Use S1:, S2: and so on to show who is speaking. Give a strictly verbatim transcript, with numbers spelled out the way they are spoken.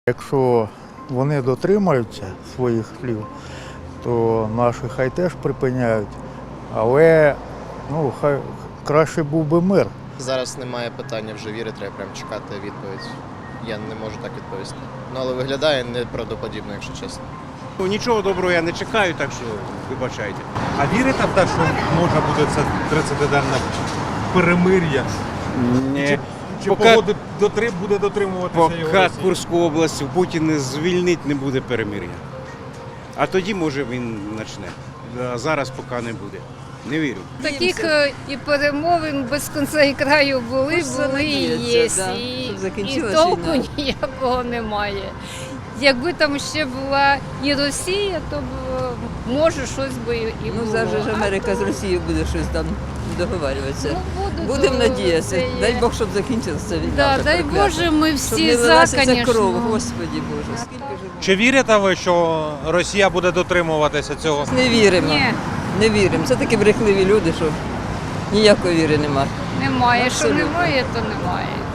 S1: Якщо вони дотримаються своїх слів, то наші хай теж припиняють, але ну, хай краще був би мир.
S2: Зараз немає питання вже віри, треба прям чекати відповідь. Я не можу так відповісти. Ну, але виглядає неправдоподібно, якщо чесно.
S3: Ну, нічого доброго я не чекаю, так що вибачайте.
S4: А вірите в те, що можна буде це тридцятиденне перемир'я?
S3: Ні.
S4: Чи, чи
S3: Поки-
S4: погоди дотрим, буде дотримуватися його
S3: Поки
S4: Росія?
S3: Курську область Путін не звільнить, не буде перемир'я. А тоді, може, він почне. А зараз поки не буде. Не вірю.
S5: Таких е, і перемовин без кінця і краю були,
S6: Хочеться
S5: були і є.
S6: надіятися, да,
S5: І,
S6: щоб
S5: і
S6: закінчилась
S5: толку
S6: війна.
S5: ніякого немає. Якби там ще була і Росія, то б, е, може щось би і
S6: Ну,
S5: було.
S6: зараз же ж Америка з Росією буде щось там договарюватися.
S5: Ну, будуть,
S6: Будемо
S5: то
S6: надіятися.
S5: це є.
S6: Дай Бог, щоб закінчилася ця війна.
S5: Да,
S6: вже
S5: дай
S6: проклята.
S5: Боже, ми
S6: Щоб
S5: всі
S6: не
S5: за,
S6: лилася ця
S5: звісно.
S6: кров, Господі Боже. Скільки ж
S4: Чи вірите ви, що Росія буде дотримуватися цього?
S6: не віримо.
S5: Ні,
S6: Не віримо. Це такі брехливі люди, що ніякої віри немає.
S5: немає. Що
S6: Абсолютно.
S5: немає, то немає.